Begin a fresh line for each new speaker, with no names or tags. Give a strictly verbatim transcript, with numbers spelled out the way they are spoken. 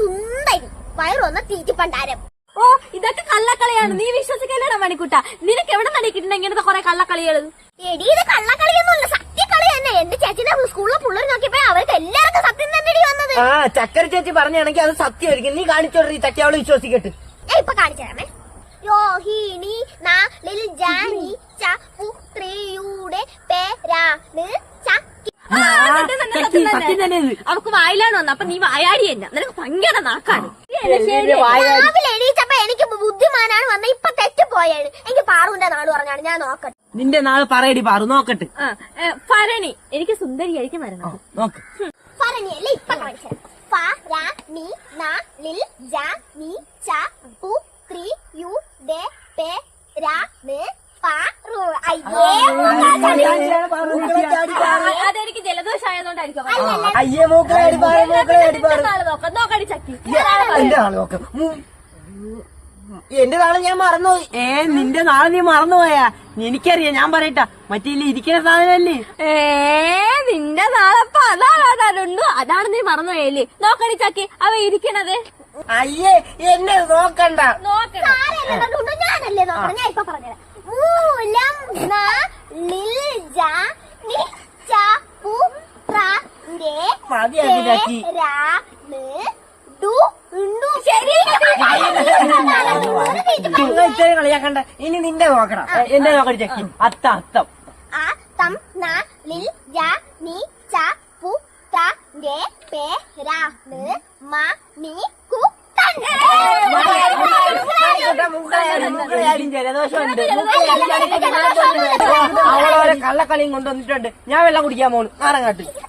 സുന്ദരി വയറ് വന്ന തീറ്റിപ്പണ്ടാരം.
ഓ ഇതൊക്കെ കള്ളക്കളിയാണ്, നീ വിശ്വസിക്കല്ലേടാ മണിക്കുട്ട. നിനക്ക് എവിടെ നിന്ന് കിട്ടുന്ന ഇങ്ങനത്തെ കൊറേ കള്ളക്കളികള്?
എടി ഇത് കള്ളക്കളിയൊന്നുമല്ല, സത്യക്കളി തന്നെ. എന്റെ ചേച്ചിനെ സ്കൂളിലെ പിള്ളേർ നോക്കിയപ്പോ അവർക്ക് എല്ലാവർക്കും സത്യം തന്നെ വന്നത്.
ആ ചക്കര ചേച്ചി പറഞ്ഞാണെങ്കിൽ അത് സത്യമായിരിക്കും. നീ കാണിച്ചോട്ടെ ഈ ചക്കി, അവള് വിശ്വസിക്കട്ടെ.
ഇപ്പൊ കാണിച്ചു തരാമേ. രോഹിണി നാളിൽ ജാനിച്ച പുത്രിയുടെ പേരാണ് ചക്കി.
അവക്ക് വായിലാണ് വന്നത്, അപ്പൊ നീ വായാടി തന്നെ. നിനക്ക് ഭയങ്കര നാക്കാണ്.
രാവിലെ എണീച്ചപ്പോ എനിക്ക് ബുദ്ധിമാനാണ് വന്ന, ഇപ്പൊ തെറ്റുപോയാണ്. എനിക്ക് പാറുവിന്റെ നാട് പറഞ്ഞാണ്. ഞാൻ നോക്കട്ടെ.
നിന്റെ നാള് പറയടി പാറു, നോക്കട്ടെ.
ഭരണി, എനിക്ക് സുന്ദരിയായിരിക്കും വരണം.
നോക്ക്
ഭരണിയല്ലേ ഇപ്പൊ കാണിച്ചത്. ഫരണി നാളിൽ ജാനിച്ച പുത്രിയുടെ പേരാണ് പാറു.
അതെനിക്ക് ജലദോഷമായതുകൊണ്ടായിരിക്കും.
അയ്യേ മൂക്കളെ അടി പാറ, മൂക്കളെ അടി പാറ.
നോക്കാം, നോക്കടി ചക്കി.
എന്റെ നാള് നോക്കാം. എന്റെ നാളെ ഞാൻ മറന്നുപോയി. ഏ നിന്റെ നാളെ നീ മറന്നുപോയാ? എനിക്കറിയാം, ഞാൻ പറയട്ടാ. മറ്റേ ഇരിക്കുന്ന സാധനല്ലേ?
ഏ നിന്റെ നാളെപ്പോ അതാണു, അതാണ് നീ മറന്നുപോയല്ലേ? നോക്കടി ചക്കി, അവ ഇരിക്കണത്.
അയ്യേ എന്നെ നോക്കണ്ട.
ഞാനല്ലേ നോക്കണം. ഞാൻ ഇപ്പൊ പറഞ്ഞുതരാം. മൂലം നാളിൽ ജാനിച്ച പുത്രന്റെ പേരാണ്
കളിയാക്കണ്ട. ഇനി നിന്റെ നോക്കണം. എന്റെ നോക്കടി ചക്കി. അത്ത അത്തം
അത്തം നാളിൽ ജാനിച്ച പുത്രന്റെ പേരാണ് മണിക്കുട്ടൻ.
ജലദോഷമുണ്ട്. അവളോരെ കള്ളക്കളിയും കൊണ്ടുവന്നിട്ടുണ്ട്. ഞാൻ വെള്ളം കുടിക്കാൻ പോണു. ആറങ്ങാട്ട്.